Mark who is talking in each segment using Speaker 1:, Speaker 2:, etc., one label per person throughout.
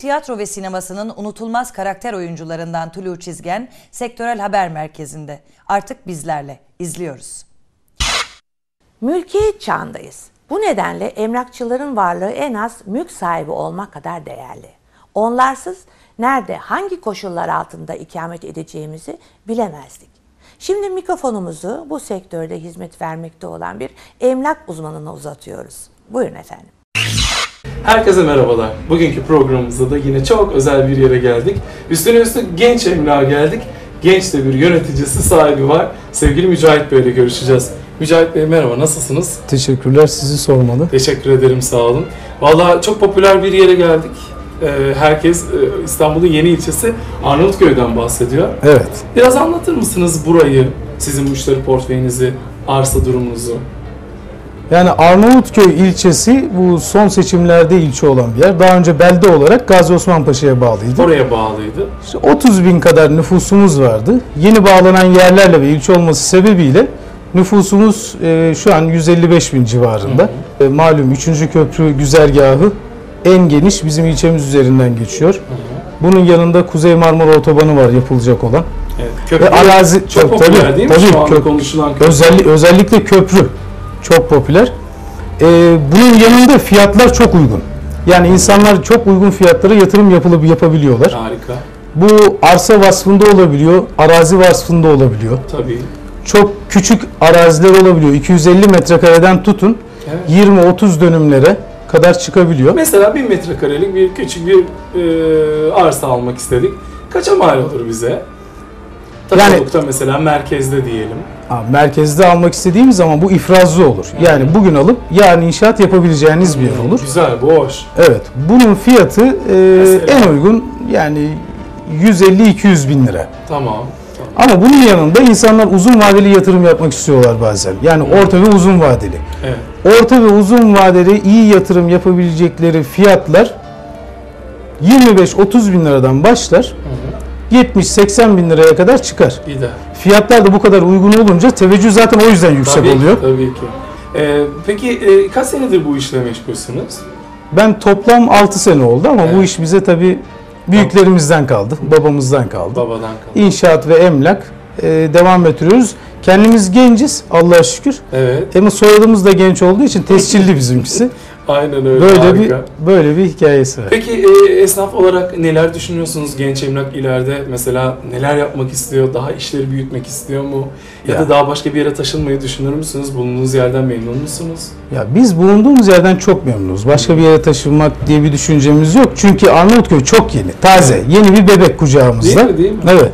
Speaker 1: tiyatro ve sinemasının unutulmaz karakter oyuncularından Tulu Çizgen, Sektörel Haber Merkezi'nde. Artık bizlerle izliyoruz.
Speaker 2: Mülkiyet çağındayız. Bu nedenle emlakçıların varlığı en az mülk sahibi olmak kadar değerli. Onlarsız nerede, hangi koşullar altında ikamet edeceğimizi bilemezdik. Şimdi mikrofonumuzu bu sektörde hizmet vermekte olan bir emlak uzmanına uzatıyoruz. Buyurun efendim.
Speaker 3: Herkese merhabalar. Bugünkü programımızda da yine çok özel bir yere geldik. Üstüne üstlük genç emlağa geldik. Genç de bir yöneticisi, sahibi var. Sevgili Mücahit Bey ile görüşeceğiz. Mücahit Bey merhaba, nasılsınız?
Speaker 4: Teşekkürler, sizi sormalı.
Speaker 3: Teşekkür ederim, sağ olun. Vallahi çok popüler bir yere geldik. Herkes İstanbul'un yeni ilçesi Arnavutköy'den bahsediyor.
Speaker 4: Evet.
Speaker 3: Biraz anlatır mısınız burayı, sizin müşteri portföyünüzü, arsa durumunuzu?
Speaker 4: Yani Arnavutköy ilçesi bu son seçimlerde ilçe olan bir yer. Daha önce belde olarak Gazi Osman Paşa'ya bağlıydı.
Speaker 3: Oraya bağlıydı.
Speaker 4: İşte 30 bin kadar nüfusumuz vardı. Yeni bağlanan yerlerle ve ilçe olması sebebiyle nüfusumuz şu an 155 bin civarında. Malum 3. köprü güzergahı en geniş bizim ilçemiz üzerinden geçiyor. Bunun yanında Kuzey Marmara Otobanı var yapılacak olan.
Speaker 3: Evet, köprü
Speaker 4: ve arazi
Speaker 3: çok popüler değil mi şu anda konuşulan köprü?
Speaker 4: Özellikle köprü çok popüler. Bunun yanında fiyatlar çok uygun. Yani insanlar çok uygun fiyatlara yatırım yapabiliyorlar.
Speaker 3: Harika.
Speaker 4: Bu arsa vasfında olabiliyor, arazi vasfında olabiliyor.
Speaker 3: Tabii.
Speaker 4: Çok küçük araziler olabiliyor. 250 metrekareden tutun, evet, 20-30 dönümlere kadar çıkabiliyor.
Speaker 3: Mesela 1000 metrekarelik bir küçük bir arsa almak istedik. Kaça mal olur bize? Takılukta yani, mesela merkezde diyelim.
Speaker 4: Merkezde almak istediğimiz zaman bu ifrazlı olur. Yani bugün alıp yarın inşaat yapabileceğiniz bir yer olur.
Speaker 3: Güzel, bu hoş.
Speaker 4: Evet. Bunun fiyatı en uygun yani 150-200 bin lira.
Speaker 3: Tamam.
Speaker 4: Ama bunun yanında insanlar uzun vadeli yatırım yapmak istiyorlar bazen. Yani orta ve uzun vadeli.
Speaker 3: Evet.
Speaker 4: Orta ve uzun vadeli iyi yatırım yapabilecekleri fiyatlar 25-30 bin liradan başlar. 70-80 bin liraya kadar çıkar. Fiyatlar da bu kadar uygun olunca teveccüh zaten o yüzden yüksek oluyor.
Speaker 3: Tabii ki. Peki kaç senedir bu işle meşgulsünüz?
Speaker 4: Ben toplam 6 sene oldu ama bu iş bize tabii büyüklerimizden kaldı, babamızdan kaldı.
Speaker 3: Babadan kaldı.
Speaker 4: İnşaat ve emlak devam ettiriyoruz. Kendimiz genciz Allah'a şükür.
Speaker 3: Evet.
Speaker 4: Ama soyadımız da genç olduğu için tescilli bizimkisi.
Speaker 3: Aynen öyle.
Speaker 4: Böyle bir hikayesi var.
Speaker 3: Peki esnaf olarak neler düşünüyorsunuz? Genç emlak ileride mesela neler yapmak istiyor? Daha işleri büyütmek istiyor mu? Ya da daha başka bir yere taşınmayı düşünür müsünüz? Bulunduğunuz yerden memnun musunuz? Ya
Speaker 4: biz bulunduğumuz yerden çok memnunuz. Başka bir yere taşınmak diye bir düşüncemiz yok. Çünkü Arnavutköy çok yeni, taze, yeni bir bebek kucağımızda.
Speaker 3: Değil mi?
Speaker 4: Evet.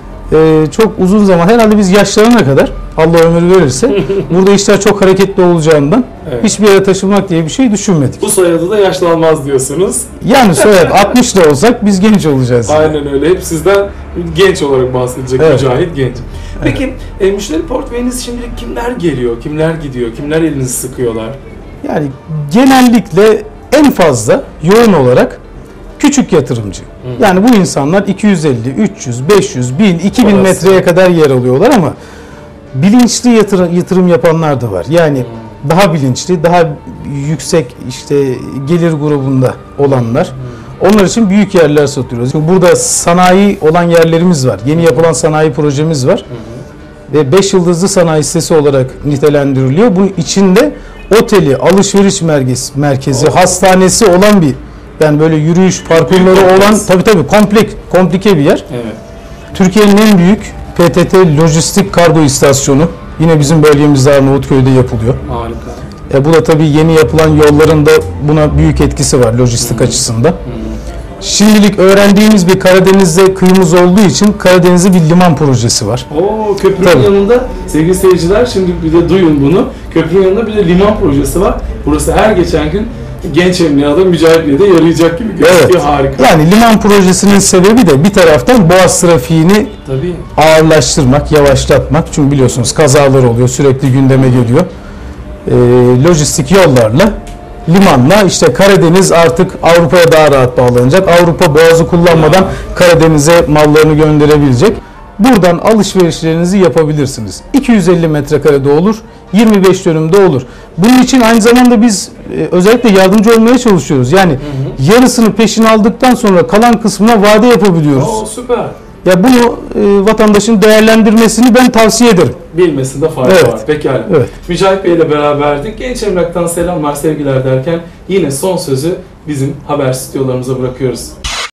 Speaker 4: Çok uzun zaman, herhalde biz yaşlarına kadar Allah ömür verirse burada işler çok hareketli olacağından hiçbir yere taşınmak diye bir şey düşünmedik.
Speaker 3: Bu soyadı da yaşlanmaz diyorsunuz.
Speaker 4: Yani soyad 60 da olsak biz genç olacağız.
Speaker 3: Aynen öyle. Hep sizden genç olarak bahsedecek Mücahit genç. Peki müşteri portföyünüz şimdilik kimler geliyor, kimler gidiyor, kimler elinizi sıkıyorlar?
Speaker 4: Yani genellikle en fazla yoğun olarak küçük yatırımcı. Yani bu insanlar 250, 300, 500, 1000, 2000 metreye kadar yer alıyorlar ama bilinçli yatırım yapanlar da var. Yani daha bilinçli, daha yüksek işte gelir grubunda olanlar. Onlar için büyük yerler satıyoruz. Burada sanayi olan yerlerimiz var. Yeni yapılan sanayi projemiz var. Ve 5 yıldızlı sanayi sitesi olarak nitelendiriliyor. Bunun içinde oteli, alışveriş merkezi, hastanesi olan bir, yani böyle yürüyüş parkurları olan tabii komplike bir yer.
Speaker 3: Evet.
Speaker 4: Türkiye'nin en büyük PTT lojistik kargo istasyonu yine bizim bölgemizde Arnavutköy'de yapılıyor.
Speaker 3: Harika.
Speaker 4: Bu da tabii yeni yapılan yolların da buna büyük etkisi var lojistik açısından. Şimdilik öğrendiğimiz bir Karadeniz'de kıyımız olduğu için Karadeniz'de bir liman projesi var.
Speaker 3: Köprünün yanında sevgili seyirciler, şimdi bir de duyun bunu. Köprünün yanında bir de liman projesi var. Burası her geçen gün genç emlakta Mücahit de yarayacak gibi gözüküyor. Evet. Harika.
Speaker 4: Yani liman projesinin sebebi de bir taraftan Boğaz trafiğini ağırlaştırmak, yavaşlatmak. Çünkü biliyorsunuz kazalar oluyor, sürekli gündeme geliyor. Lojistik yollarla, limanla işte Karadeniz artık Avrupa'ya daha rahat bağlanacak. Avrupa Boğaz'ı kullanmadan Karadeniz'e mallarını gönderebilecek. buradan alışverişlerinizi yapabilirsiniz. 250 metrekarede olur, 25 dönümde olur. Bunun için aynı zamanda biz özellikle yardımcı olmaya çalışıyoruz. Yani yarısını peşin aldıktan sonra kalan kısmına vade yapabiliyoruz.
Speaker 3: Oo, süper.
Speaker 4: Ya bunu vatandaşın değerlendirmesini ben tavsiye ederim.
Speaker 3: Bilmesinde fayda
Speaker 4: Evet.
Speaker 3: var. Pekala.
Speaker 4: Evet.
Speaker 3: Mücahit Bey ile beraberdik. Genç Emlak'tan selamlar, sevgiler derken yine son sözü bizim haber stüdyolarımıza bırakıyoruz.